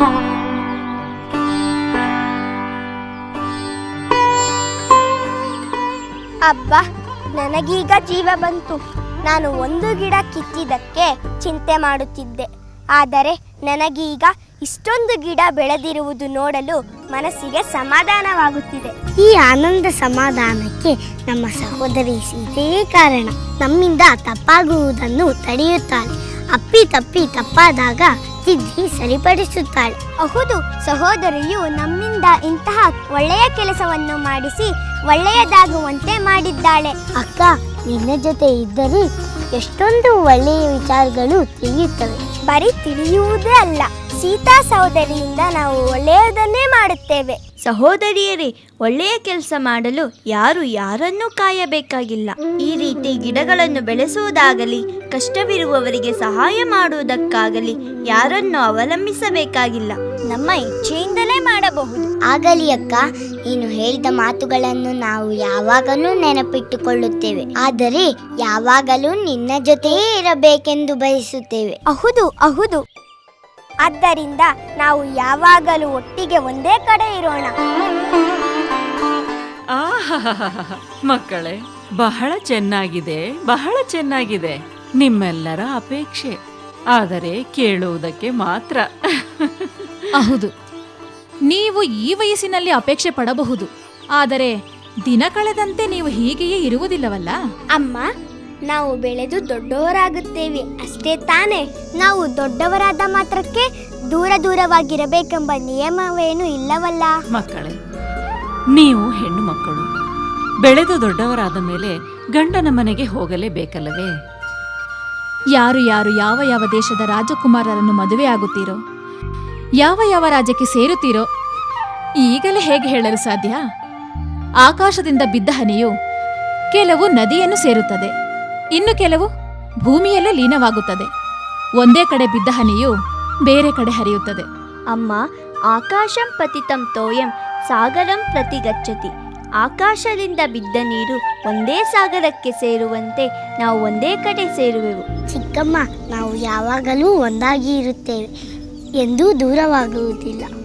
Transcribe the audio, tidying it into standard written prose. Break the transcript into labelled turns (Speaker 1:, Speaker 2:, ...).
Speaker 1: ಅಬ್ಬ, ನನಗೀಗ ಜೀವ ಬಂತು. ನಾನು ಒಂದು ಗಿಡ ಕಿತ್ತಿದ್ದಕ್ಕೆ ಚಿಂತೆ ಮಾಡುತ್ತಿದ್ದೆ. ಆದರೆ ನನಗೀಗ ಇಷ್ಟೊಂದು ಗಿಡ ಬೆಳೆದಿರುವುದು ನೋಡಲು ಮನಸ್ಸಿಗೆ ಸಮಾಧಾನವಾಗುತ್ತಿದೆ.
Speaker 2: ಈ ಆನಂದ ಸಮಾಧಾನಕ್ಕೆ ನಮ್ಮ ಸಹೋದರಿ ಸೀತೆಯೇ ಕಾರಣ. ನಮ್ಮಿಂದ ತಪ್ಪಾಗುವುದನ್ನು ತಡೆಯುತ್ತಾಳೆ. ಅಪ್ಪಿ ತಪ್ಪಿ ತಪ್ಪಾದಾಗ ತಿದ್ದಿ ಸರಿಪಡಿಸುತ್ತಾಳೆ.
Speaker 1: ಹೌದು, ಸಹೋದರಿಯು ನಮ್ಮಿಂದ ಇಂತಹ ಒಳ್ಳೆಯ ಕೆಲಸವನ್ನು ಮಾಡಿಸಿ ಒಳ್ಳೆಯದಾಗುವಂತೆ ಮಾಡಿದ್ದಾಳೆ.
Speaker 2: ಅಕ್ಕ, ನಿನ್ನ ಜೊತೆ ಇದ್ದರೆ ಎಷ್ಟೊಂದು ಒಳ್ಳೆಯ ವಿಚಾರಗಳು ತಿಳಿಯುತ್ತವೆ.
Speaker 1: ಬರೀ ತಿಳಿಯುವುದೇ ಅಲ್ಲ, ಸೀತಾ ಸಹೋದರಿಯಿಂದ ನಾವು ಒಳ್ಳೆಯದನ್ನೇ ಮಾಡುತ್ತೇವೆ.
Speaker 3: ಸಹೋದರಿಯರೇ, ಒಳ್ಳೆಯ ಕೆಲಸ ಮಾಡಲು ಯಾರು ಯಾರನ್ನೂ ಕಾಯಬೇಕಾಗಿಲ್ಲ. ಈ ರೀತಿ ಗಿಡಗಳನ್ನು ಬೆಳೆಸುವುದಾಗಲಿ, ಕಷ್ಟವಿರುವವರಿಗೆ ಸಹಾಯ ಮಾಡುವುದಕ್ಕಾಗಲಿ ಯಾರನ್ನು ಅವಲಂಬಿಸಬೇಕಾಗಿಲ್ಲ.
Speaker 1: ನಮ್ಮ ಇಚ್ಛೆಯಿಂದಲೇ ಮಾಡಬಹುದು.
Speaker 2: ಆಗಲಿ ಅಕ್ಕ, ನೀನು ಹೇಳಿದ ಮಾತುಗಳನ್ನು ನಾವು ಯಾವಾಗಲೂ ನೆನಪಿಟ್ಟುಕೊಳ್ಳುತ್ತೇವೆ. ಆದರೆ ಯಾವಾಗಲೂ ನಿನ್ನ ಜೊತೆಯೇ ಇರಬೇಕೆಂದು ಬಯಸುತ್ತೇವೆ.
Speaker 1: ಹೌದು. ಆದ್ದರಿಂದ ನಾವು ಯಾವಾಗಲೂ ಒಟ್ಟಿಗೆ ಒಂದೇ ಕಡೆ ಇರೋಣ.
Speaker 4: ಮಕ್ಕಳೇ, ಬಹಳ ಚೆನ್ನಾಗಿದೆ. ನಿಮ್ಮೆಲ್ಲರ ಅಪೇಕ್ಷೆ, ಆದರೆ ಕೇಳುವುದಕ್ಕೆ ಮಾತ್ರ.
Speaker 5: ಹೌದು, ನೀವು ಈ ವಯಸ್ಸಿನಲ್ಲಿ ಅಪೇಕ್ಷೆ ಪಡಬಹುದು, ಆದರೆ ದಿನ ಕಳೆದಂತೆ ನೀವು ಹೀಗೆಯೇ ಇರುವುದಿಲ್ಲವಲ್ಲ.
Speaker 1: ಅಮ್ಮ, ನಾವು ಬೆಳೆದು ದೊಡ್ಡವರಾಗುತ್ತೇವೆ ಅಷ್ಟೇ ತಾನೇ. ನಾವು ದೊಡ್ಡವರಾದ ಮಾತ್ರಕ್ಕೆ ದೂರವಾಗಿರಬೇಕೆಂಬ ನಿಯಮವೇನು ಇಲ್ಲವಲ್ಲ.
Speaker 4: ಮಕ್ಕಳೇ, ನೀವು ಹೆಣ್ಣು ಮಕ್ಕಳು ಬೆಳೆದು ದೊಡ್ಡವರಾದ ಮೇಲೆ ಗಂಡನ ಮನೆಗೆ ಹೋಗಲೇಬೇಕಲ್ಲವೇ?
Speaker 5: ಯಾರು ಯಾವ ದೇಶದ ರಾಜಕುಮಾರರನ್ನು ಮದುವೆ ಆಗುತ್ತೀರೋ, ಯಾವ ರಾಜ್ಯಕ್ಕೆ ಸೇರುತ್ತೀರೋ ಈಗಲೇ ಹೇಗೆ ಹೇಳಲು ಸಾಧ್ಯ? ಆಕಾಶದಿಂದ ಬಿದ್ದ ಹನಿಯು ಕೆಲವು ನದಿಯನ್ನು ಸೇರುತ್ತದೆ, ಇನ್ನು ಕೆಲವು ಭೂಮಿಯಲ್ಲೇ ಲೀನವಾಗುತ್ತದೆ. ಒಂದೇ ಕಡೆ ಬಿದ್ದ ಹನಿಯು ಬೇರೆ ಕಡೆ ಹರಿಯುತ್ತದೆ.
Speaker 3: ಅಮ್ಮ, ಆಕಾಶಂ ಪತಿತಂ ತೋಯಂ ಸಾಗರಂ ಪ್ರತಿ ಗಚ್ಚತಿ. ಆಕಾಶದಿಂದ ಬಿದ್ದ ನೀರು ಒಂದೇ ಸಾಗರಕ್ಕೆ ಸೇರುವಂತೆ ನಾವು ಒಂದೇ ಕಡೆ ಸೇರುವೆವು.
Speaker 2: ಚಿಕ್ಕಮ್ಮ, ನಾವು ಯಾವಾಗಲೂ ಒಂದಾಗಿ ಇರುತ್ತೇವೆ, ಎಂದೂ ದೂರವಾಗುವುದಿಲ್ಲ.